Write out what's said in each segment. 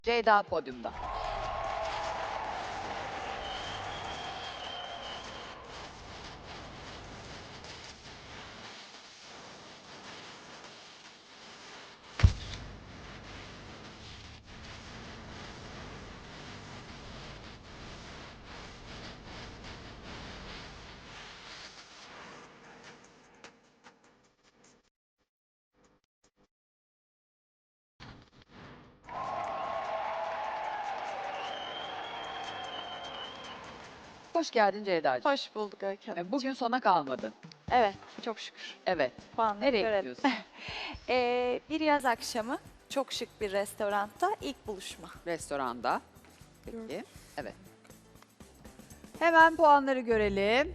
Ceyda podyumda. Hoş geldin Ceyda'cığım. Hoş bulduk Öykü Hanım. Bugün sona kalmadın. Evet, çok şükür. Evet. Puanları Nereye görelim. gidiyorsun? Bir yaz akşamı çok şık bir restoranda ilk buluşma. Restoranda. Peki. Evet. Hemen puanları görelim.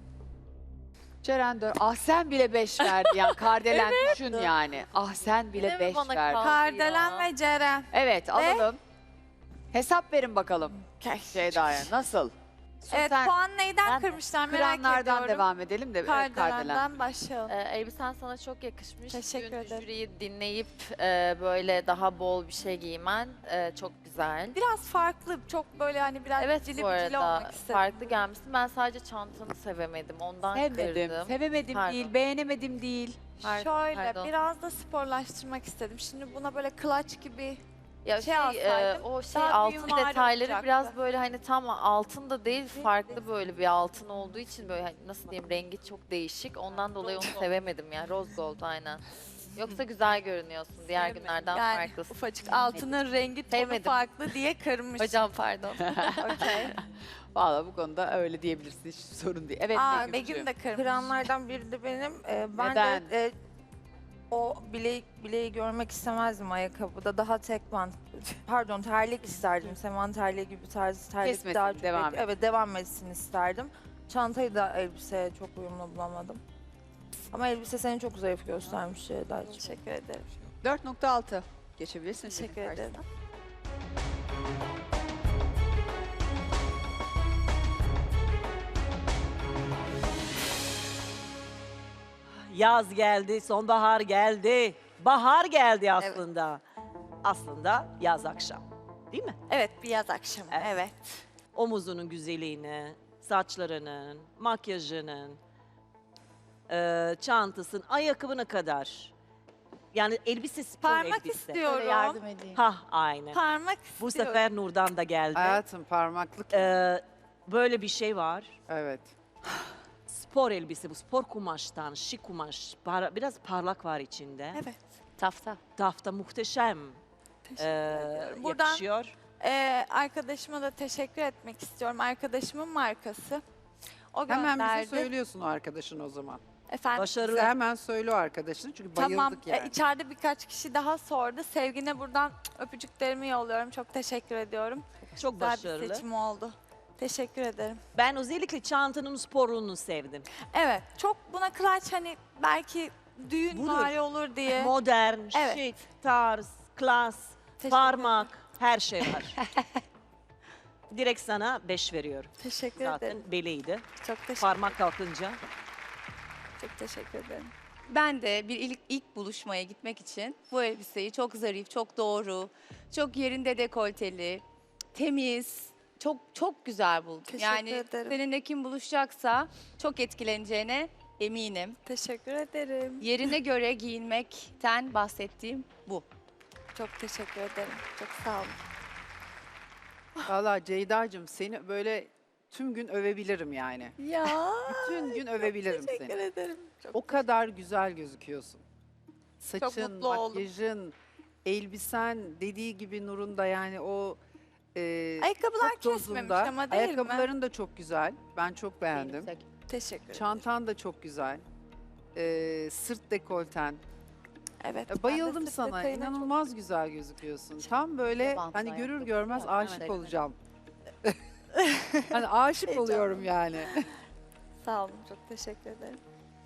Ceren Ah sen bile 5 verdi yani. Kardelen düşün yani. Ah sen bile Yine mi 5 bana verdi. kaldı? Kardelen ve Ceren. Evet alalım. Hesap verin bakalım Ceyda'ya. Nasıl? Evet, Sen puan neyden Ben de. kırmışlar merak kıranlardan ediyorum. devam edelim de Kardelen. Kardelen'den başlayalım. Elbisen sana çok yakışmış. Teşekkür Bugün ederim. jüriyi dinleyip böyle daha bol bir şey giymen çok güzel. Biraz farklı, çok böyle hani biraz Evet cili bu bicili arada olmak istedim. farklı gelmişsin. Ben sadece çantanı sevemedim. Ondan Sevmedim. kırdım. Sevemedim Pardon. değil. Beğenemedim değil. Pardon, Şöyle pardon. biraz da sporlaştırmak istedim. Şimdi buna böyle clutch gibi Ya şey alsaydım, o şey daha altın büyümvari detayları olacaktı. biraz böyle hani tam altın da değil Değil, farklı değil. böyle bir altın olduğu için böyle hani nasıl diyeyim rengi çok değişik. Ondan dolayı onu sevemedim ya. Rose gold aynen. Yoksa güzel görünüyorsun. Diğer günlerden yani farklısın. ufacık altının rengi tonu Sevmedim. farklı diye kırmış. Hocam pardon. Okey. Valla bu konuda öyle diyebilirsin. Hiç sorun değil. Evet Aa, Begüm'cüğüm. Begüm de kırmış. Kıranlardan biri de benim. Ben Neden? de o bileği görmek istemezdim ayakkabıda. Daha tek bant, pardon terlik isterdim. Seman terliği gibi tarz terlik Kesmesin, daha çok devam et. Evet devam etsin isterdim. Çantayı da elbiseye çok uyumlu bulamadım. Ama elbise seni çok zayıf göstermiş Ceyda'cığım. Teşekkür ederim. 4.6. Geçebilirsin. Teşekkür senin ederim. karşısına. Yaz geldi, sonbahar geldi, bahar geldi aslında. Aslında yaz akşam, değil mi? Evet, bir yaz akşamı. Evet. Evet. Omuzunun güzelliğini, saçlarının, makyajının, çantasının, ayakkabına kadar. Yani elbise spor Parmak elbise. istiyorum. edeyim. Hah, aynen. Parmak Bu istiyorum. sefer Nur'dan da geldi. Hayatım parmaklık. Böyle bir şey var. Evet. Spor elbise bu, spor kumaştan, şık kumaş. Biraz parlak var içinde. Evet. Tafta. Tafta muhteşem Teşekkür ediyorum. Buradan yakışıyor. arkadaşıma da teşekkür etmek istiyorum. Arkadaşımın markası. O Hemen gönderdi. bize söylüyorsun o arkadaşın o zaman. Efendim. Bize Başarılı. hemen söyle o arkadaşını çünkü bayıldık Tamam. yani. İçeride birkaç kişi daha sordu. Sevgine buradan öpücüklerimi yolluyorum. Çok teşekkür ediyorum. Çok Güzel bir başarılı. seçim oldu. Teşekkür ederim. Ben özellikle çantanın sporluğunu sevdim. Evet. Çok buna clutch hani belki düğün Budur. vari olur diye. Modern, Evet. şık, tarz, klas, Teşekkür parmak, her şey var. Direkt sana 5 veriyorum. Teşekkür Zaten ederim. beliydi. Çok teşekkür, Parmak kalkınca. çok teşekkür ederim. Ben de bir ilk buluşmaya gitmek için bu elbiseyi çok zarif, çok doğru, çok yerinde dekolteli, temiz, çok güzel buldum. Teşekkür Yani ederim. seninle kim buluşacaksa çok etkileneceğine eminim. Teşekkür ederim. Yerine göre giyinmekten bahsettiğim bu. Çok teşekkür ederim. Çok sağ olun. Valla Ceyda'cığım seni böyle tüm gün övebilirim yani. Ya. Bütün gün övebilirim Teşekkür seni. ederim. Çok, O kadar güzel gözüküyorsun. Saçın, mutlu oldum. makyajın, elbisen dediği gibi Nur'un da yani o Ayakkabılar çok kesmemiş dozunda. ama değil mi? Ayakkabıların da çok güzel. Ben çok beğendim. Teşekkür ederim. Çantan da çok güzel. Sırt dekolten. Evet. Ya ben de bayıldım sırt sana. detayına çok- İnanılmaz güzel gözüküyorsun. Tam böyle hani görür görmez aşık olacağım. Hani aşık oluyorum yani. Sağ olun. Çok teşekkür ederim.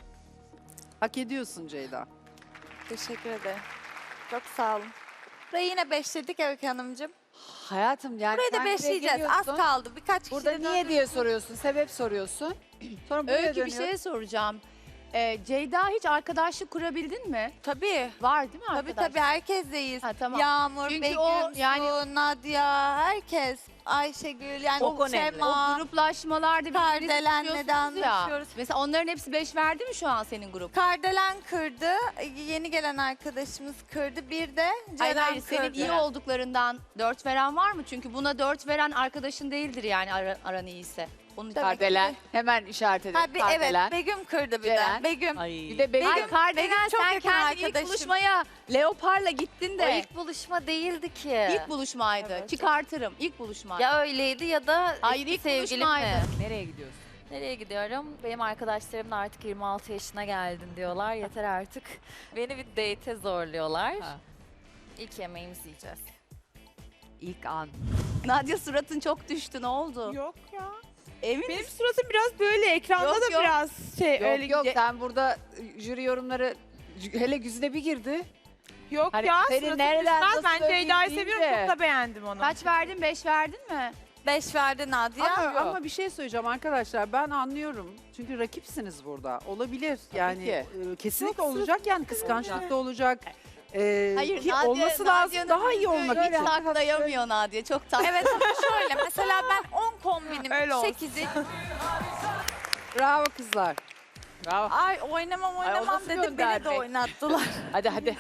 Hak ediyorsun Ceyda. Teşekkür ederim. Çok sağ olun. Burayı yine beşledik Öykü Hanımcığım. Hayatım yani Burayı da sen buraya beşleyeceğiz. Az geliyorsun. kaldı. Birkaç kişi Burada niye diye soruyorsun, sebep soruyorsun. Sonra buraya Öykü bir dönüyorsun. şey soracağım. Ceyda hiç arkadaşlık kurabildin mi? Tabii. Var değil mi Tabii arkadaşlık? tabii herkesleyiz. Ha, tamam. Yağmur, Çünkü Begüm, o yani- Su, Nadia, herkes. Ayşegül yani Çok önemli. Sema. Gruplaşmalarda birbirinizi Kardelen'le de tutuyorsunuz ya. anlaşıyoruz. Mesela onların hepsi 5 verdi mi şu an senin grup? Kardelen kırdı. Yeni gelen arkadaşımız kırdı. Bir de Hayır Ceren hayır kırdı. senin iyi olduklarından 4 veren var mı? Çünkü buna 4 veren arkadaşın değildir yani aran iyiyse. Onun için. Kardelen. Hemen işaret edelim. Ha, evet Kardelen. Begüm kırdı bir Ceren. de. Begüm. Ay. Bir de Begüm- Ay Kardelen Begüm çok sen yakın kendin ilk arkadaşım. buluşmaya Leopar'la gittin O de. ilk buluşma değildi ki. İlk buluşmaydı. Çıkartırım. İlk buluşmaydı. Ya öyleydi ya da Hayır, eski ilk sevgilim buluşmaydı. mi? Nereye gidiyorsun? Nereye gidiyorum? Benim arkadaşlarım da artık 26 yaşına geldin diyorlar. Yeter artık. Beni bir date'e zorluyorlar. Ha. İlk yemeğimizi yiyeceğiz. İlk an. Nadia suratın çok düştü. Ne oldu? Yok ya. Emin Benim misin? suratım biraz böyle ekranda Yok, da yok. biraz şey öyle Yok sen burada jüri yorumları hele yüzüne bir girdi. Yok Hani ya. senin suratım nereden düşmez. nasıl Ben Ceyda'yı söylediğin seviyorum. de. Çok da beğendim onu. Kaç verdin? 5 verdin mi? 5 verdi Nadia. Ama bir şey söyleyeceğim arkadaşlar. Ben anlıyorum. Çünkü rakipsiniz burada. Olabilir. Yani ki. kesinlikle olacak yani kıskançlık da olacak. Hayır, ki Nadia- olması lazım. Nadia'nın Daha iyi olmak Hiç için. saklayamıyor Nadia. Çok tatlı. Evet ama şöyle mesela ben 10 kombinim Öyle olsun. 8'i. Bravo kızlar. Bravo. Ay oynamam nasıl dedim beni de göndermek? oynattılar. Hadi.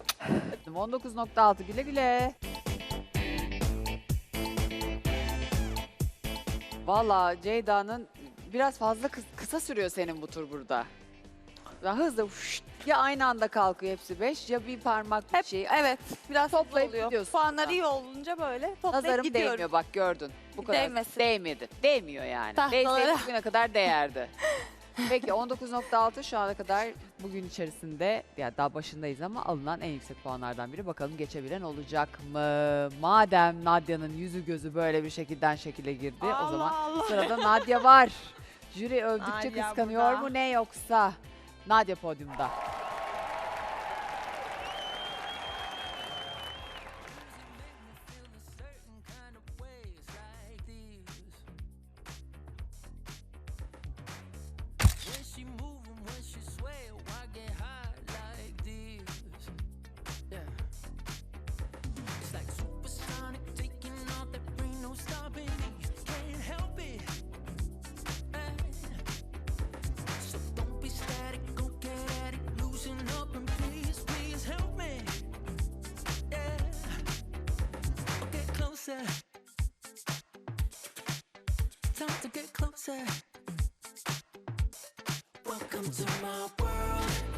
19.6 güle güle. Valla Ceyda'nın biraz fazla kısa sürüyor senin bu tur burada. Ya hızlı ya aynı anda kalkıyor hepsi 5 ya bir parmak bir Hep şey. evet biraz Toplayıp oluyor. gidiyorsun. Puanlar iyi olunca böyle toplayıp Nazarım gidiyorum. değmiyor bak gördün. Bu kadar Değmesin. değmedi. Değmiyor yani. Tahtalara. Değseydi bugüne kadar değerdi. Peki 19.6 şu ana kadar bugün içerisinde ya daha başındayız ama alınan en yüksek puanlardan biri. Bakalım geçebilen olacak mı? Madem Nadia'nın yüzü gözü böyle bir şekilde girdi o zaman sırada Nadia var. Jüri övdükçe Nadia kıskanıyor burada. mu ne yoksa? Nadia podyumda. When she move and when she sway, why get high like this? Yeah. It's like supersonic taking off, there ain't no stopping me. Can't help it. Hey. So don't be static, go get at it, loosen up and please help me. Yeah. Get closer. Time to get closer. Welcome to my world.